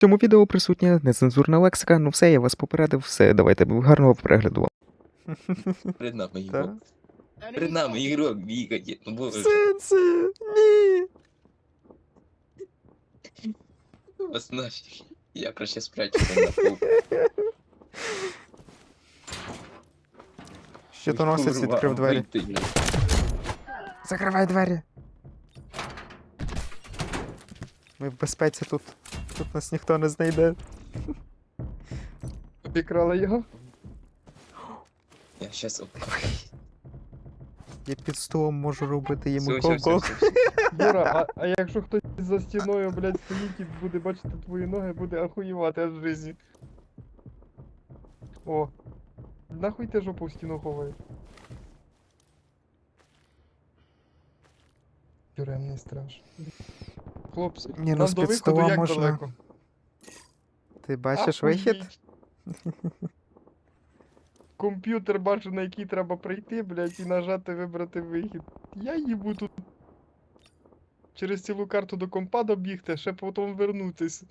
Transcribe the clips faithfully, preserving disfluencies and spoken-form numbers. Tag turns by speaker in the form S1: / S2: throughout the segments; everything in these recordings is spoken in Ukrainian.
S1: В цьому відео присутня нецензурна лексика, ну все, я вас попередив, все, давайте, гарного перегляду вам.
S2: Перед нами
S1: Та?
S2: ігрок. Перед нами ігрок бігає. Ну
S1: В
S2: боже,
S1: сенсі? Ні!
S2: вас нафіг. Я краще спрячуся на пол.
S1: Щитоносець
S2: Курва,
S1: відкрив двері.
S2: вийти, блядь.
S1: Закривай двері! Ми в безпеці тут. Тут нас ніхто не знайде.
S3: Обікрала його?
S2: Я щас оп.
S1: Я під столом можу робити йому
S2: Все, все, все,
S1: кол-кол.
S2: все, все.
S3: Юра, а, а якщо хтось за стіною, блядь, стоїть і буде бачити твої ноги, буде ахуєвати аж в житті. О. Нахуй ти жопу в стіну ховаєш? Тюремний страж. Хлопці,
S1: Ні, ну,
S3: нам
S1: з
S3: до
S1: під
S3: виходу
S1: стола
S3: як
S1: можна-
S3: далеко?
S1: Ти бачиш
S3: Ахуєть.
S1: вихід?
S3: Комп'ютер бачу, на який треба прийти, блядь, і нажати вибрати вихід. Я їбу тут через цілу карту до компа добігти, ще потім вернутись.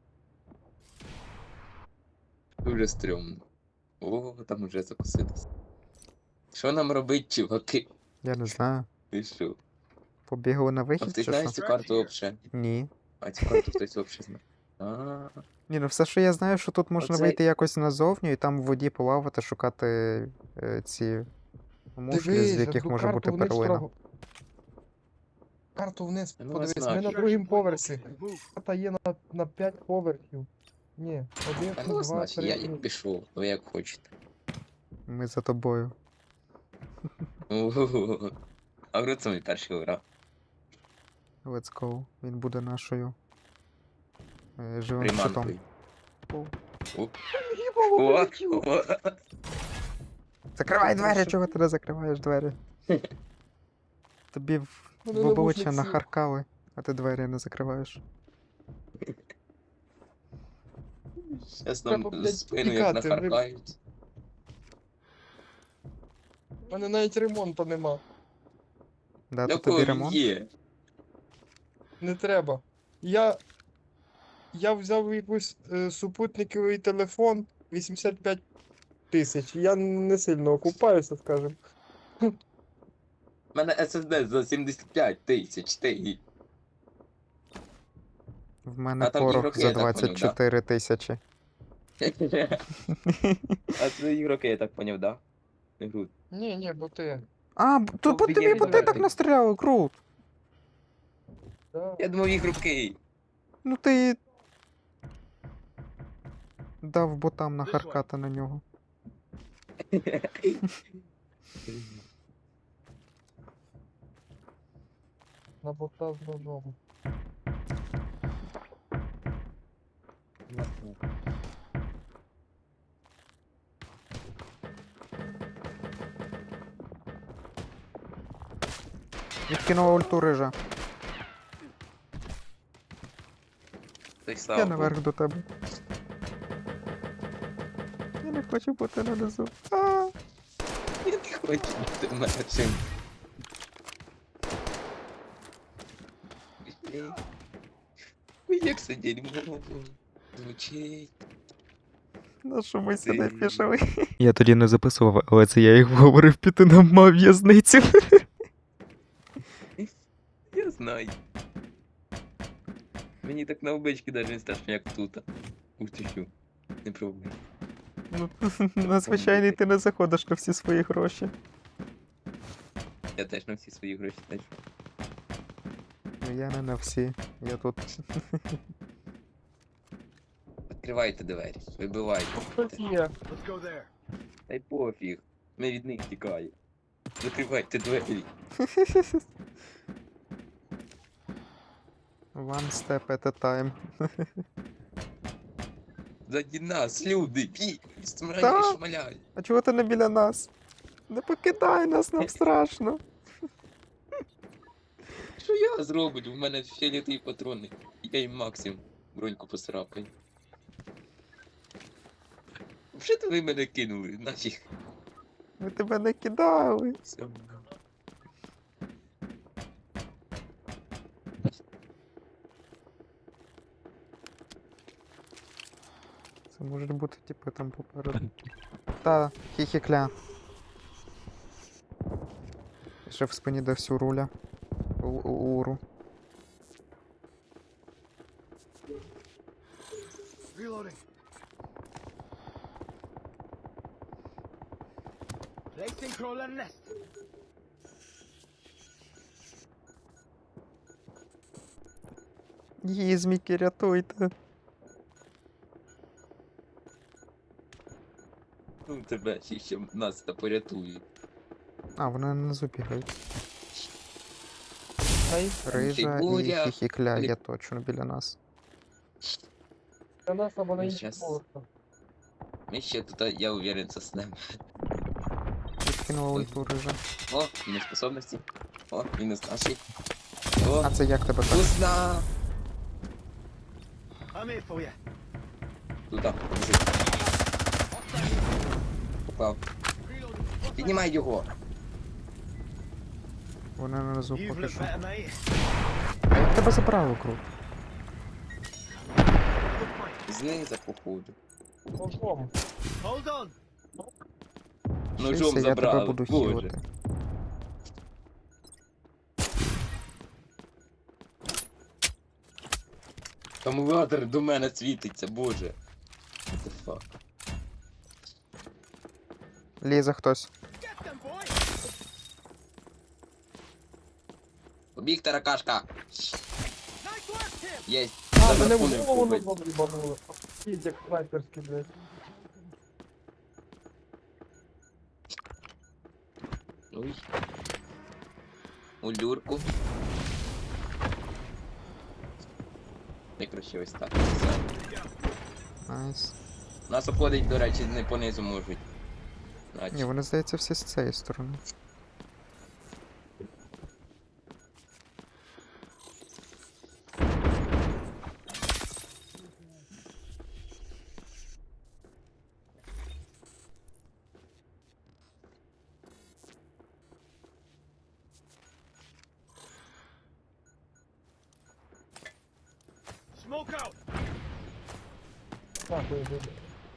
S2: Дуже стрьомно. О, там уже закусилось. Що нам робить, чуваки?
S1: Я не знаю.
S2: Ти що?
S1: Побігли на
S2: А
S1: вихід
S2: ти
S1: чи
S2: знаєш
S1: що?
S2: цю карту вообще?
S1: Ні.
S2: А цю карту хтось вообще знає? А,
S1: Ні, ну все, що я знаю, що тут можна
S2: Оце-
S1: вийти якось назовню і там в воді плавати, шукати е, ці мушки, з яких
S3: одну
S1: може бути
S3: карту вниз
S1: перлина.
S3: вправо. Карту вниз,
S2: Ну,
S3: подивись,
S2: знаю.
S3: ми на другому поверсі. Карта є на, на п'ять поверхів. Ні, один,
S2: а ну
S3: два,
S2: значить, я
S3: три.
S2: не пішов, ви як хочете.
S1: Ми за тобою.
S2: Ого. А в це мій перший гра.
S1: Let's go. Він буде нашою е, живим щитом.
S2: Приманкою.
S1: О.
S2: О,
S3: Їбало,
S2: о,
S3: полетіло.
S2: о.
S1: Закривай двері,
S3: Прошу.
S1: чого ти не закриваєш двері? Тобі в,
S3: Мене
S1: в обличчя
S3: навушник сів.
S1: нахаркали, а ти двері не закриваєш.
S2: Щас нам
S3: Треба, блядь,
S2: спину як
S3: тікати,
S2: нахаркають.
S3: У мене навіть ремонту нема.
S1: Да,
S2: Для
S1: то тобі
S2: кого
S1: ремонт?
S2: є?
S3: Не треба. Я. Я взяв якийсь е, супутниковий телефон вісімдесят п'ять тисяч. Я не сильно окупаюся, скажем.
S2: У мене ес ес ді за сімдесят п'ять тисяч, ти.
S1: В мене
S2: А там
S1: порох
S2: ігроки,
S1: за
S2: я так поняв,
S1: двадцять чотири тисячі.
S2: А це ігроки, я так поняв, да? Не груд.
S3: Ні, ні, бо ти.
S1: А, б- то по тобі
S2: Офігенний
S1: бо ти так
S2: графік.
S1: настріляли, крут.
S3: Да.
S2: Я думав ігроки.
S1: Ну ти дав ботам нахаркати на нього.
S3: На бота з ножом.
S1: Відкинула ульту рижа.
S2: Той
S1: Я
S2: слава
S1: наверх до тебе. Я не хочу бути на низу. А,
S2: Я не хочу бути в мене цим. Ой, як це дерьмо звучить.
S1: на що ми сюди
S2: Ти-
S1: пішли? Я тоді не записував, але це я їх говорив піти на ма в'язницю.
S2: Я знаю. Мені так на облички навіть не страшно, як тут. Ух ти що. Не пробуй.
S1: Ну, на звичайний ти не заходиш на всі свої гроші.
S2: Я теж на всі свої гроші теж.
S1: Ну я не на всі. Я тут.
S2: Відкривайте двері, вибивайте.
S3: Хтось є.
S2: Та й пофіг. Ми від них тікаємо. Закривайте двері.
S1: One step at a time.
S2: Заді нас, люди, бій!
S1: Та.
S2: Смирай, шмаляй.
S1: А чого ти не біля нас? Не покидай нас, нам страшно.
S2: Що я зроблю? У мене фіолетові патрони. Я їм максимум броньку посрапаю. Що то ви мене кинули? Нафіг.
S1: Ми тебе не кидали.
S2: Все.
S1: Це можуть бути, типу, там попереду. Та, хі-хі-кля. Ще в спині де всю руля. У- у- Уру.
S4: Reloading. Placing crawler nest.
S1: Їзміки, рятуйте.
S2: Ну тебе ще, ще нас та порятують.
S1: А, вони внизу бігають.
S3: Ай,
S1: Рижа і
S2: Фігуря.
S1: хі-хі-кля
S2: Блін.
S1: є точно біля нас.
S3: для нас або на
S2: Ну,
S3: інших
S2: щас.
S3: поверхах.
S2: Ми ще тут, я уверен, заснемо.
S1: Відкинула
S2: Ой.
S1: ульту рижа.
S2: О, мінус способності. О, мінус наші. О,
S1: А це як тебе так?
S2: вкусно!
S4: I'm here for you.
S2: Туди, біжи. Попав. Піднімай його.
S1: Вони внизу
S4: You've
S1: поки
S4: looked
S1: що.
S4: better, mate.
S1: А як тебе забрали круг?
S4: Good point.
S2: Знизу, походу.
S3: Ножом.
S4: Hold on.
S2: Ножом
S1: Шийся, я тебе
S2: забрали,
S1: буду
S2: боже.
S1: хілити.
S2: Акумулятор до мене світиться, боже. What the fuck?
S1: Лізе хтось.
S4: Get them, boy.
S2: Побіг таракашка.
S4: Nice work, Tim.
S2: Єсть.
S3: А, мене в
S2: Задраконив
S3: голову
S2: побить.
S3: ножом їбануло. Їдь, як снайперський, блядь.
S2: Ой. У люрку. Я краще ось так. Все.
S1: Найс.
S2: Нас обходить, до речі, не понизу можуть.
S1: Ні,
S2: Значить.
S1: вони, здається, всі з цієї сторони.
S4: Smoke out.
S3: Так, ой, блядь.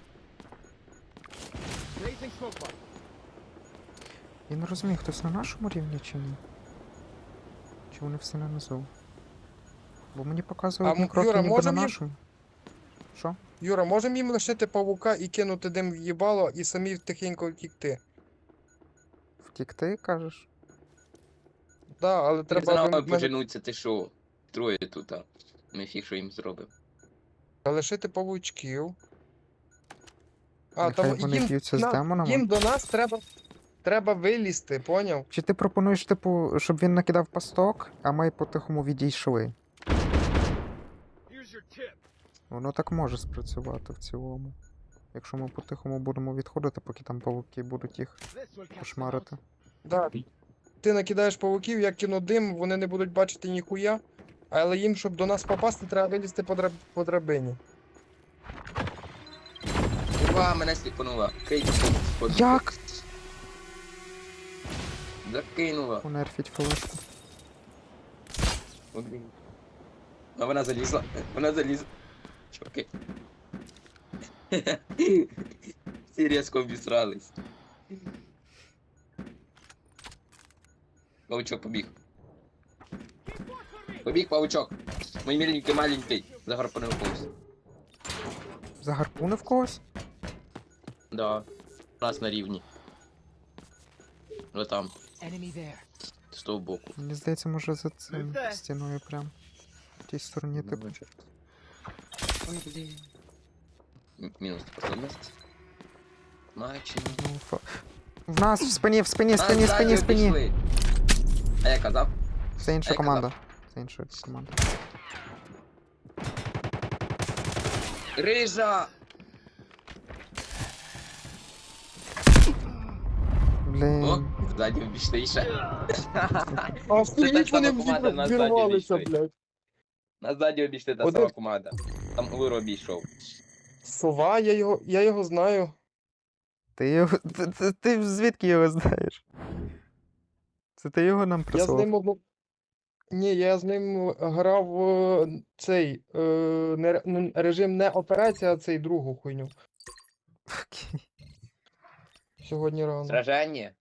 S4: Raising smoke bomb.
S1: Я не розумію, хтось на нашому рівні чи ні? Чи вони всі нанизу? Бо мені показують
S3: А,
S1: одні
S3: м,
S1: кроки
S3: Юра,
S1: ніби на
S3: можем їм-
S1: нашому. Що?
S3: Юра, можемо їм лишити павука і кинути дим в їбало і самі тихенько втікти?
S1: Втікти, кажеш?
S3: Да, але
S2: Треба за
S3: треба
S2: нами
S3: ми-
S2: поженуться, ти що? Троє тут, а. Ми фіг, що їм зробимо.
S3: лишити павучків. А,
S1: Нехай
S3: там
S1: вони
S3: їм,
S1: б'ються з
S3: на-
S1: демонами.
S3: їм до нас треба, треба вилізти, поняв?
S1: Чи ти пропонуєш, типу, щоб він накидав пасток, а ми по-тихому відійшли?
S4: Here's your tip.
S1: Воно так може спрацювати в цілому. Якщо ми по-тихому будемо відходити, поки там павуки будуть їх
S4: This will catch them out.
S1: кошмарити.
S3: Да. Ти накидаєш павуків, я кину дим, вони не будуть бачити ніхуя. Але їм, щоб до нас попасти, треба вилізти по, драб... по драбині.
S2: Ура, мене сліпанула. Крейді спод.
S1: Як?
S2: Закинула.
S1: Понерфіть флешку.
S2: Один. А вона залізла. Вона залізла. Чуваки. Всі різко обісрались. Павучок побіг. Побіг павучок. Мій міленький маленький. Загорпанив когось.
S1: Загарпунив когось?
S2: Да. У нас на рівні. Ось там.
S4: Enemy there.
S2: З того боку.
S1: Мені здається, може за цим
S4: Де?
S1: стіною прям. В тій стороні, типу.
S2: Ой, блін. М- Мінус способність. Мачені.
S1: Ну, фа... В нас в спині, в спині, в спині, в спині, в спині.
S2: А я казав?
S1: Це інша
S2: А я
S1: команда. Це інша команда.
S2: Рижа!
S1: Блін.
S2: О, ззаді обійшли ще.
S3: А
S2: Це та
S3: стоїть вони
S2: сама команда, на ззаді
S3: вірвалися,
S2: обійшли.
S3: блядь.
S2: На ззаді обійшли та
S3: Один-
S2: сама команда. Там Лиро обійшов.
S3: Сова, я його, я його знаю.
S1: Ти його. Ти, ти, ти звідки його знаєш? Це ти його нам
S3: Я з
S1: присилав?
S3: ним одну. Ні, я з ним грав е, цей е, не, ре- ну, режим не операція, а цей другу хуйню.
S1: Окей.
S3: Сьогодні рано.
S2: Сражання.